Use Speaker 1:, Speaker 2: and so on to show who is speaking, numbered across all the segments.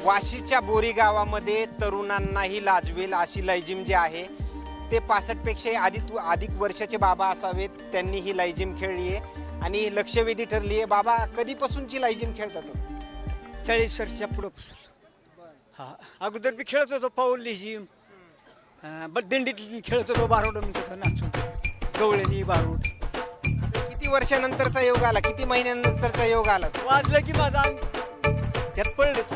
Speaker 1: वाशीच्या बोरी गावामध्ये तरुणांनाही लाजवेल अशी लयजिम जे आहे ते 65 पेक्षा अधिक वर्षाचे बाबा असावेत, त्यांनी ही लयजिम खेळली आहे आणि लक्षवेधी ठरली आहे. बाबा, कधीपासूनची लयजिम खेळतात?
Speaker 2: 40 वर्षाच्या पुढं. हा, अगोदर बी खेळत होतो पाऊल लिहिजिम, दिंडीत खेळत होतो, बारूड नाचून गवळणी बारूड.
Speaker 1: किती वर्षानंतरचा योग आला, किती महिन्यानंतरचा योग आला?
Speaker 2: वाजलं की माझा अंग त्यात पडलं,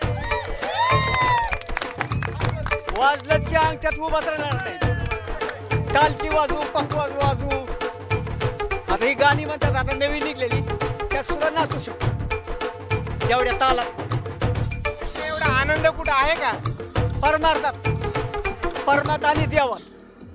Speaker 2: वाजलं की अंग त्यात उभाच राहणार नाही. टालकी वाजवू, पकवाज वाजवू. आता ही गाणी म्हणतात, आता नवीन निघलेली, त्यात सुद्धा नाचू शकतो एवढ्या तालात.
Speaker 1: एवढा आनंद कुठं आहे का?
Speaker 2: परमात आणि देवात.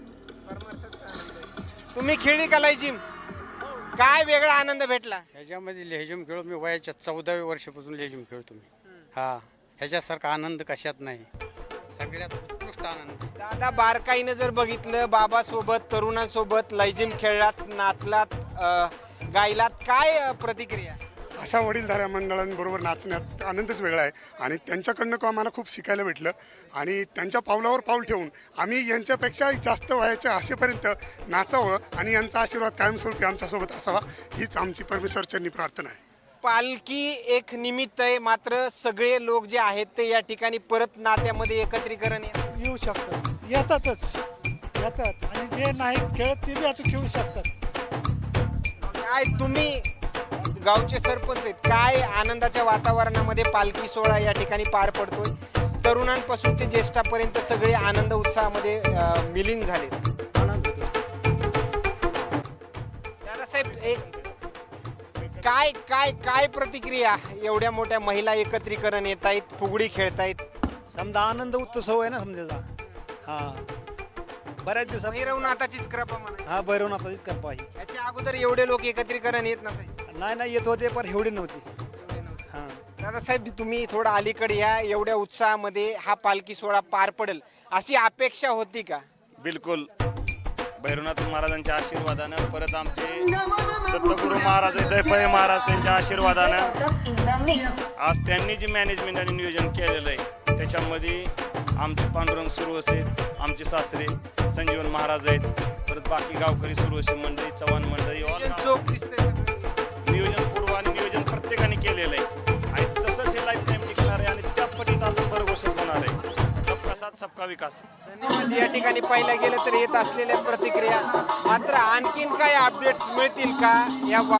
Speaker 1: तुम्ही खेळली का लयजिम? काय वेगळा आनंद भेटला?
Speaker 3: ह्याच्यामध्ये लेझिम खेळ मी वयाच्या 14व्या वर्षापासून लेझिम खेळतो मी. हा, ह्याच्यासारखा आनंद कशात नाही, सगळ्यात उत्कृष्ट आनंद.
Speaker 1: दादा, बारकाईनं जर बघितलं, बाबासोबत तरुणांसोबत लयजिम खेळलात, नाचलात, गायलात, काय प्रतिक्रिया?
Speaker 4: अशा वडीलधाऱ्या मंडळांबरोबर नाचण्यात आनंदच वेगळा आहे आणि त्यांच्याकडनं आम्हाला खूप शिकायला भेटलं आणि त्यांच्या पावलावर पाऊल ठेवून आम्ही यांच्यापेक्षा जास्त वयाच्या आशेपर्यंत नाचावं आणि यांचा आशीर्वाद कायमस्वरूपी आमच्यासोबत असावा, हीच आमची परमेश्वरचरणी प्रार्थना आहे.
Speaker 1: पालखी एक निमित्त आहे, मात्र सगळे लोक जे आहेत ते या ठिकाणी परत नात्यामध्ये एकत्रीकरण
Speaker 5: येऊ शकतात, येतात आणि जे नाही खेळत ते बी आता खेळू शकतात.
Speaker 1: काय तुम्ही गावचे सरपंच आहेत, काय आनंदाच्या वातावरणामध्ये पालखी सोहळा या ठिकाणी पार पडतोय? तरुणांपासून ते ज्येष्ठापर्यंत सगळे आनंद उत्साहामध्ये विलीन झाले. दादासाहेब, एक काय काय काय प्रतिक्रिया? एवढ्या मोठ्या महिला एकत्रीकरण येत आहेत, फुगडी खेळतायत,
Speaker 5: समजा आनंद उत्सव आहे ना समजायचा. हा, बऱ्याच दिवसात
Speaker 1: भैरवनाथाचीच कृपा म्हणा.
Speaker 5: हा, भैरवनाथाचीच कृपा आहे.
Speaker 1: याच्या अगोदर एवढे लोक एकत्रीकरण येत नसायचे.
Speaker 5: नाही येत होते, पण एवढी नव्हती. हा,
Speaker 1: दादासाहेब, तुम्ही थोडं अलीकडे या. एवढ्या उत्साहामध्ये हा पालखी सोहळा पार पडेल अशी अपेक्षा होती का?
Speaker 6: बिलकुल. भैरवनाथ महाराजांच्या आशीर्वादानं, परत आमचे दत्तगुरू महाराज दैपळे महाराज त्यांच्या आशीर्वादानं आज त्यांनी जे मॅनेजमेंट आणि नियोजन केलेलं आहे त्याच्यामध्ये आमचे पांडुरंग सुरवसे, आमचे सासरे संजीवन महाराज आहेत, परत बाकी गावकरी सुरवसे मंडळी, चव्हाण मंडळी,
Speaker 1: चोख दिसतंय.
Speaker 6: नियोजन पूर्व आणि नियोजन प्रत्येकाने केलेलं आहे आणि तसंच हे लाईफ टाईम टिकणार आहे आणि त्या पटीत अजून भरघोषित होणार आहे. सबका साथ सबका विकास.
Speaker 1: धन्यवाद. या ठिकाणी पाहिलं गेलं तर येत असलेल्या प्रतिक्रिया, मात्र आणखीन काय अपडेट्स मिळतील का या